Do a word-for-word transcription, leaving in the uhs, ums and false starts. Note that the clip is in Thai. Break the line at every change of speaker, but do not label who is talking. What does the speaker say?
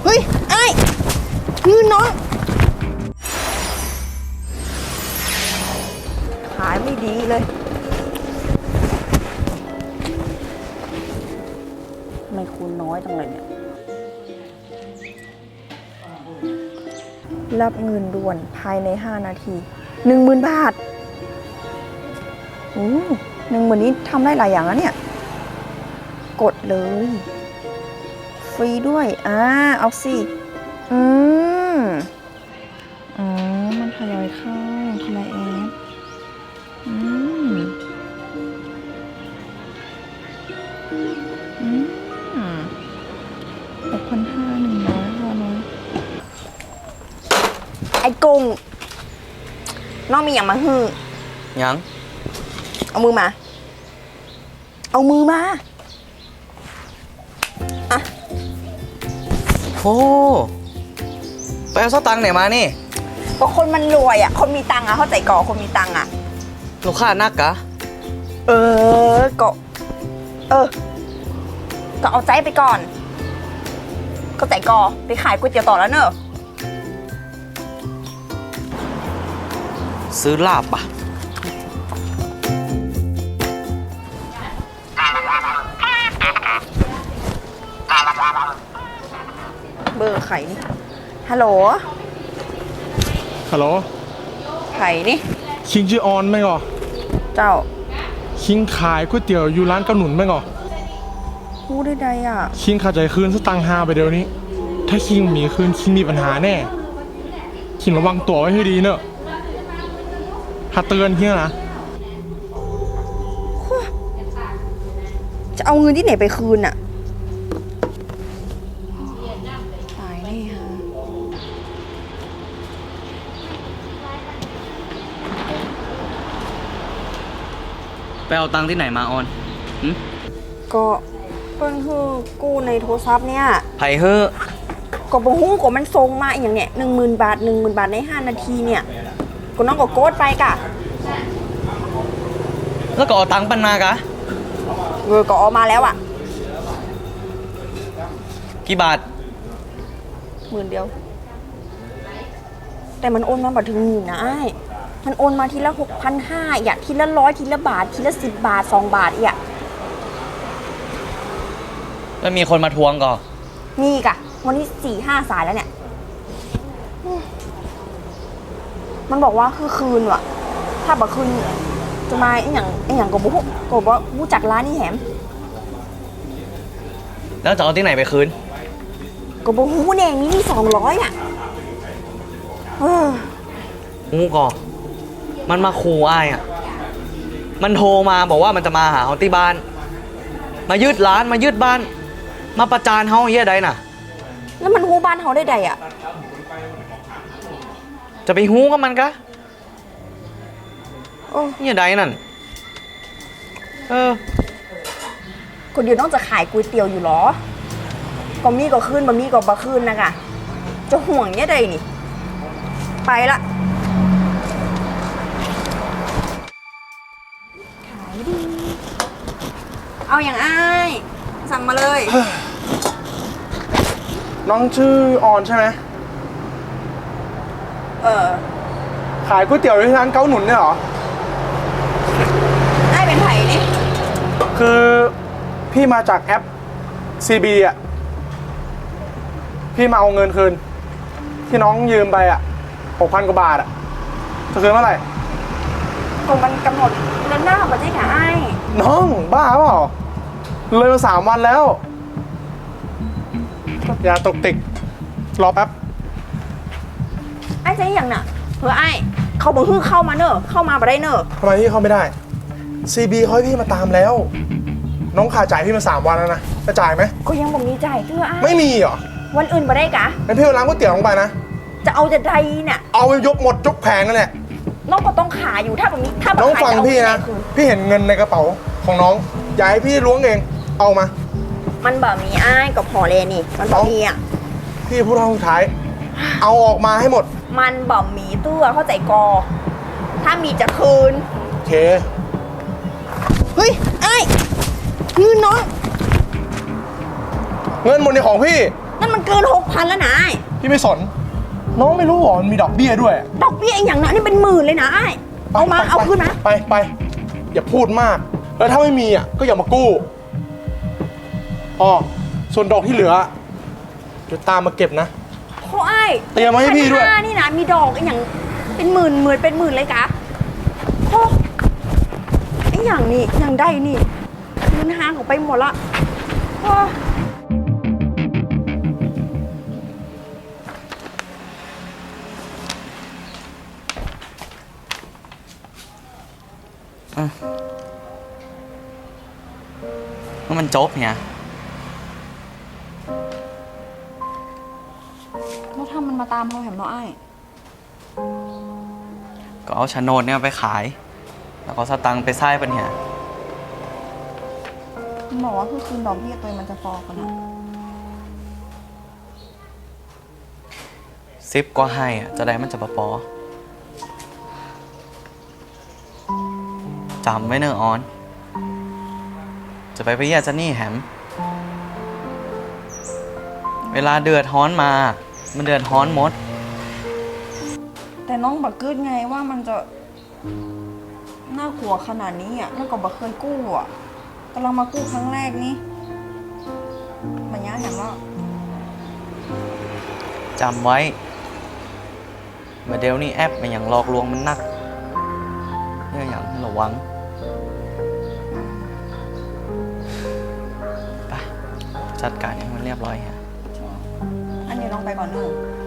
เฮ้ยไอ้เงินน้องขายไม่ดีเลยทำไมคูณน้อยจังเลยเนี่ยรับเงินด่วนภายในห้านาทีหนึ่งหมื่นบาทโอ้หนึ่งหมื่นนี้ทำได้หลายอย่างแล้วเนี่ยกดเลยฟรีด้วยอ่าเอาสิอืมอ๋อมันทยอยเข้าทีละแอปอืมอืมหกพันห้าหนึ่งร้อยห้าร้อยไอ้กุ้งน้องมีอย่างมาฮือ
ยัง
เอามือมาเอามือมาอะ
โอ้ไปเอาสตังค์ไหนมานี่
ก็คนมันรวยอ่ะคนมีตังค์อ่ะเข้าใจก่อคนมีตังค์อ่ะ
ลูกค้านักกะ
เออก็เออก็เอาใจไปก่อนก็ใจก่อไปขายก๋วยเตี๋ยวต่อแล้วเนอะ
ซื้อลาบปะ
เบอร์ไข่นี่ฮัลโหล
ฮัลโหล
ไข่นี่
คิงชื่อออนไหมก่อ
เจ้า
คิงขายก๋วยเตี๋ยวอยู่ร้านเกาหนุนไหมก่อ
พูดได้ใดอ่ะ
คิงขาดใจคืนสตังค์ฮาไปเดี๋ยวนี้ถ้าคิงมีคืนคิงมีปัญหาแน่คิงระวังตัวไว้ให้ดีเนอะถ้าเตือนคิงนะ
จะเอาเงินที่ไหนไปคืนอ่ะตายแน่ฮะ
ไปเอาตังค์ที่ไหนมาออน
ก็เพิ่นคือกู้ในโทรศัพท์เนี่ย
ไผ่เฮ้อ
ก็บ่ฮู้ก็มันส่งมาอย่างเนี้ยหนึ่งหมื่นบาทหนึ่งหมื่นบาทในห้านาทีเนี่ยก็น้องก็โกดไปกะ
แล้วก็เอาตังค์ปันมากะ
เออก็ออกมาแล้วอ่ะ
กี่บาท
หมื่นเดียวแต่มันโอนมาบัดถึงหมื่นนะไอ้มันโอนมาทีละหกพันห้าอยากทีละร้อยทีละบาททีละสิบบาทสองบาทอีกอ่ะ
แล้วมีคนมาทวงก่อ
มีกะวันนี้สี่ห้าสายแล้วเนี่ยมันบอกว่าคือคืนว่ะถ้าบอกคืนจะมาไอ้อย่างไอ้อย่างก็บอกก็บอกว่ารู้จักร้านนี่แหม
แล้วจะเอาที่ไหนไปคืน
ก็บอกหูแดงนี่นี่สองร้อยอ่ะเออ
งูก่อมันมาขู่อ้ายอ่ะมันโทรมาบอกว่ามันจะมาหาเขาที่บ้านมายึดร้านมายึดบ้านมาประจานเขาเฮียใดน่ะ
แล้วมันหูบ้านเขาได้ใดอ่ะ
จะไปหูกับมันกะ
โอ้
เฮียใดนั่นเออ
คนเดียวน้องจะขายก๋วยเตี๋ยวอยู่หรอก็มีก็ขึ้นบะมีก็บะขึ้นนะกะจะห่วงเนี่ยใดนี่ไปละขายดีเอาอย่างอ้ายสั่งมาเลย
น้องชื่อออนใช่ไหม
เออ
ขายก๋วยเตี๋ยวที่ร้านเกาหนุนเนี่ยเหรอ
ได้เป็นไผ่นี่
คือพี่มาจากแอป ซี บี อ่ะพี่มาเอาเงินคืนที่น้องยืมไปอ่ะหกพันกว่าบาทอ่ะจะคืนเมื่อไหร่
คงมันกำหนดเดือนหน้าบัดนี้ค่ะไอ้
น้องบ้าเปล่าเลยมาสามวันแล้วอย่าตกติกรอแป๊บ
ไอ้ใจอย่างน่ะเพื่อไอ้เขาบอกฮึ่งเข้ามาเนอะเข้ามาบ่ได้เนอะ
ทำไมพี่เข้าไม่ได้ ซี บี เขาให้พี่มาตามแล้วน้องขาดจ่ายพี่มาสามวันแล้วนะจะจ่ายไหม
ก็ยังบอกมีจ่ายเพื่อไอ้
ไม่มีเหรอ
วันอื่นบ่ได้กะ
งั้นพี่เอาร้านก๋วยเตี๋ยวลงไปนะ
จะเอาจะใดเนี่ย
เอาไปยกหมดยกแผงนั่นแหละ
น้องก็ต้องขายอยู่ถ้าแบบนี้ถ้า
น้องฟังพี่นะพี่เห็นเงินในกระเป๋าของน้องอย่าให้พี่ล้วงเองเอามา
มันแบบมีอ้ายกับพอเลยนี่มันบอกมีอ่ะ
พี่พูดครั้งสุดท้ายเอาออกมาให้หมด
มันบอกมีตัวเข้าใจกอถ้ามีจะคืน
โอเค
เฮ้ยไอ้เงินน้อง
เงินหมดในของพี่
นั่นมันเกินหกพันแล้วนะไอ้
พี่ไม่สน น้องไม่รู้หรอมันมีดอกเบี้ยด้วย
ดอกเบี้ยไอ้อย่างนั้นนี่เป็นหมื่นเลยนะไอ้เอามา
ไป
เอาคืนมา
ไปไปอย่าพูดมาก แล้วถ้าไม่มีอ่ะก็อย่ามากู้อ๋อส่วนดอกที่เหลือเดี๋ยวตามมาเก็บนะ
โอ้ไอ้
เตรียมมาให้พี่ด้วย
พันห้านี่นะมีดอกไอ้อย่างเป็นหมื่นหมื่นเป็นหมื่นเลยกะโอ้ไอ้อย่างนี่อย่างได้นี่คืนห้างออกไปหมดละโอ้
ว่ามันจบเนี่ย
แล้วถ้ามันมาตามเขาแหมเนาะไอ้
ก็เอาโฉนดเนี่ยไปขาย แล้วก็สตังค์ไปไส้ปัญหา
มันบอกว่าคือคืนดอกเบี้ยตัวมันจะฟอกันนะ
ซิปก็ให้อ่ะ จะได้มันจะปะปอจำไว้เนอะออน จะไปไปเยี่ยจะนี่แฮม เวลาเดือดฮ้อนมา มันเดือดฮ้อนหมด
แต่น้องบักกึดไงว่ามันจะน่ากลัวขนาดนี้อ่ะแล้วก็บักเคยกู้อ่ะกำลังมากู้ครั้งแรกนี่มันยากแหมว่า
จำไว้เมื่อเดี๋ยวนี้แอปมันอย่างหลอกลวงมันนักเนี่ยอย่างให้ระวัง ไป จัดการให้มันเรียบร้อยฮะ
อันนี้น้องไปก่อนเนอะ
ไ